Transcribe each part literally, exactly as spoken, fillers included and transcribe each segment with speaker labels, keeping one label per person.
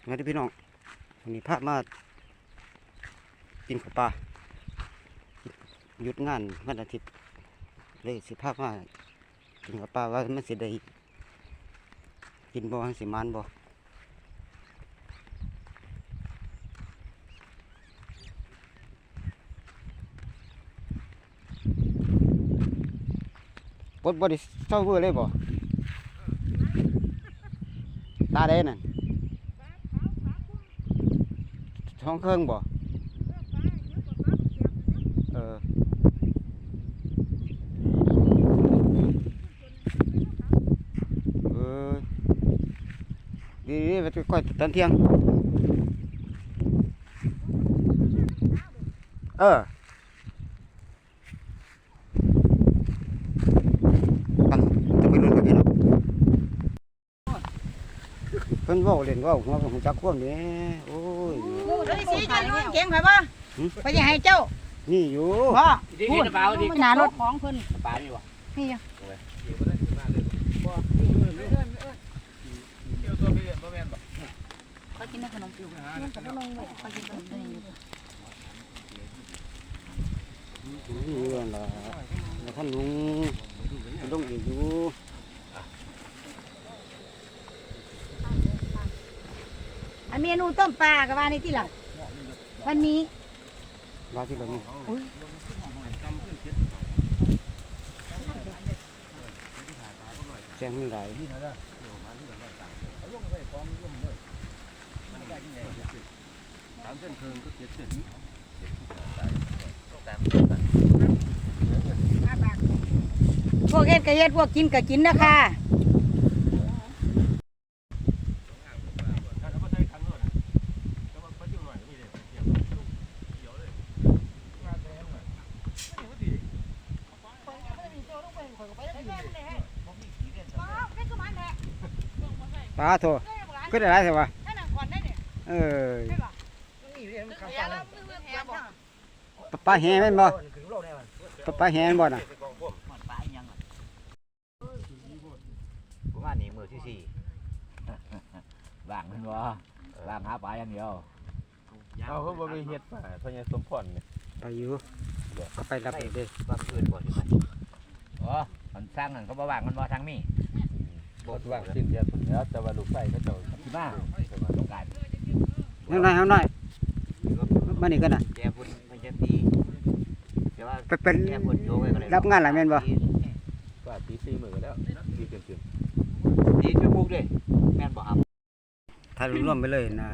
Speaker 1: มาที่พี่น้องวันนี้พามากินข้าวปลาหยุดงานวันอาทิตย์เลยสิพามากินข้าวปลาว่ามันสิได้กินบ่สิมานบ่ปดบ่ได้เศร้าเบื่อเลยบ่ตาได้นั่นท้องเครื่องบ่เออเออดีดีไปก่อยตอนเที่ยงเออจะไปนู่นกับพี่น้องเพิ่นเว้าเล่นเว้าหัวผมจักควมนี่โอ้ย
Speaker 2: เฮ้ยสีจะนุ่นเก่งไผบ่ไปสิให้เจ้า
Speaker 1: นี่อยู่
Speaker 2: พ่อ
Speaker 3: พูดเปล่าดิ
Speaker 2: หน้ารถของเพิ่น
Speaker 3: ปลานี่วะ
Speaker 2: นี่ เขากินขนมอยู่เนี่ยเขาลงไว้เขากินขนมได้อยู่
Speaker 1: นี่อยู่นั่นล่ะแล้วท่านลุงลุงอีกอยู่
Speaker 2: อันเมนูต้มปลาก็ว่านี่ที่หลังวันนี้
Speaker 1: ว่าที่เรานี่แจ้งไม่ได้
Speaker 2: พวกเฮ็ดก็เฮ็ดพวกกินก็กินนะคะ
Speaker 1: ปลาโถก็ได้ไรสิวะเออปลาแห้แม่นบ่ปลาแห้แม่นบ่น่ะ
Speaker 3: ผมว่านี่มือที่สี่ว่างมันวะว่างหาปลาอย่างเดียว
Speaker 4: เอาเขาบ่ไปเฮ็ดป่าเพราะยังสมพรเนี่ย
Speaker 1: ไปอยู่ก็ไปรับเด้
Speaker 3: ว่างอื่นบ่ใช่ไหมอ๋อมันสร้างนั่นเขาบ่ว่างมันบ่ทางนี้
Speaker 4: บ่ว่างสิ้นเดือนพุ่นแล้วแต่ว่าลูกไส้เขาเจ้า
Speaker 3: ที่บ้านต้องการ
Speaker 1: เฮาหน่อยเฮาหน่อยมานี่กันน่ะ
Speaker 3: แกพุ่นมันจะตีแต่ว่า
Speaker 1: ไปเป็น
Speaker 3: แกพุ่นโยกไปก็เลย
Speaker 1: รับงานหลายแม่นบ่
Speaker 4: ก็ตีสี่มื้อแล้วตีเกิน
Speaker 3: ตีจะบุกดิแม่นบ่ครับ
Speaker 1: ถ้ารวมไปเลยนะ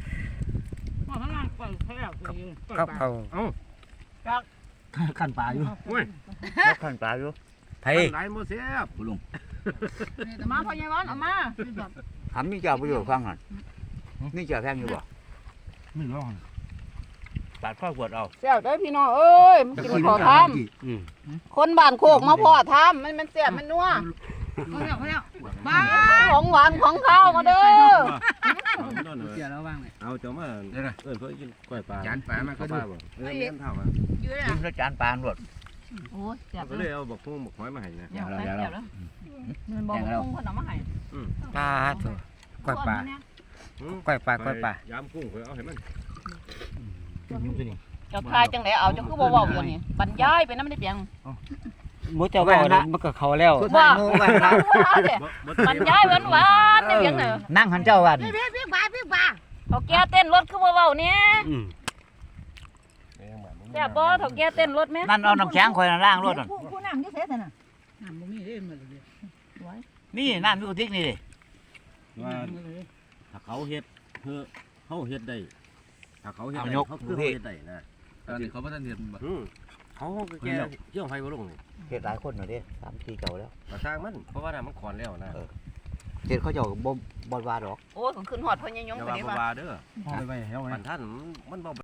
Speaker 1: กับเขา
Speaker 4: ขันปลาอยู่โอ้ย
Speaker 3: ขันปลาอยู่
Speaker 1: ไผ
Speaker 4: หลายบ่แซ่บ
Speaker 3: คุณลุง
Speaker 2: แต่มาพ่อใหญ่วันเอามา
Speaker 3: ทำนี่เจ้าประโยชน์ฟังหันนี่เจ้าแพงอยู่บ่
Speaker 4: ไม่ร้อง
Speaker 3: ปาดข้าวขวดเอา
Speaker 2: แซ่บเด้อพี่น้องเอ้ยมันกินขอท
Speaker 1: อืม
Speaker 2: ำคนบ้านโคกมาพ่อทำมันมันแซ่บมันนัวบ้าของหวานของข้าวมาเด้อ
Speaker 4: เสียแล้วว่างเลยเอาเจ้ามาเอิ้นเพิ่นกินกล้วยปลาจานปลามาก็ดูเออแม่นเท่าอ่ะ
Speaker 3: กินแล้วจานปลาหมด
Speaker 2: โอ้ยแซ่บ
Speaker 4: ก็เลยเอาบักฮุ้งบักหอยมาให้นะ
Speaker 3: อย่างเราอย่างเรา
Speaker 2: เงินบอกคงคนเอามาให้
Speaker 1: ปลาโถก้อยปลาก้อยปลาก้อยปลาย
Speaker 4: ามกุ้งเพิ่นเอาให้มัน
Speaker 2: เจ้าทายจังไดเอาเจ้าคือบ่เว้าอยู่นี่บรรยายไปนำได้เปียง
Speaker 1: หมูเจ้าบ่ได้มันก็เข้าแล้ว
Speaker 2: ว่าบรรยายหวานๆได้เปียงเด้อ
Speaker 3: นั่งหันเจ้าวัน
Speaker 2: พี่พี่บ้าพี่บ้าเฒ่าแก่เต้นรถคือบ่เว้าเนี่ย
Speaker 1: อืม
Speaker 2: แซ่บบ่เฒ่าแก่เต้นรถแม่
Speaker 3: นั่นเอาน้ำแข็งคอยล่างรถนั่น
Speaker 2: ผู้นำอยู่ไสซั่นน่ะ
Speaker 3: นี่น้ำมีกระติกนี่ดิ
Speaker 4: ว่าถ้าเขาเฮ็ดเพื่อเขาเฮ็ดได้ถ้าเขาเฮ็ดได้เขาคือเฮ็ดได้นะตอนนี้เขาบ่ทันเฮ็ดบ่เขาก็แก่เกี่ยวไฟบ่ลงนี่
Speaker 3: เฮ็ดหลายคนหน่อยดิสามปีเก่าแล้ว
Speaker 4: ก็สร้างมันเพราะว่าน่ะมันขอนแล้วนะ
Speaker 3: เฮ็ดเขาเจ้าบ่บ่ว่าดอก
Speaker 2: โอ้ยผมขึ้นฮอดพ่อใหญ่ยง
Speaker 4: อย่า
Speaker 2: ไป
Speaker 4: ว่า
Speaker 2: นี่
Speaker 4: บ่
Speaker 2: ว่า
Speaker 4: ว่าเด้อไปไว้เฮามันท่านมันบ่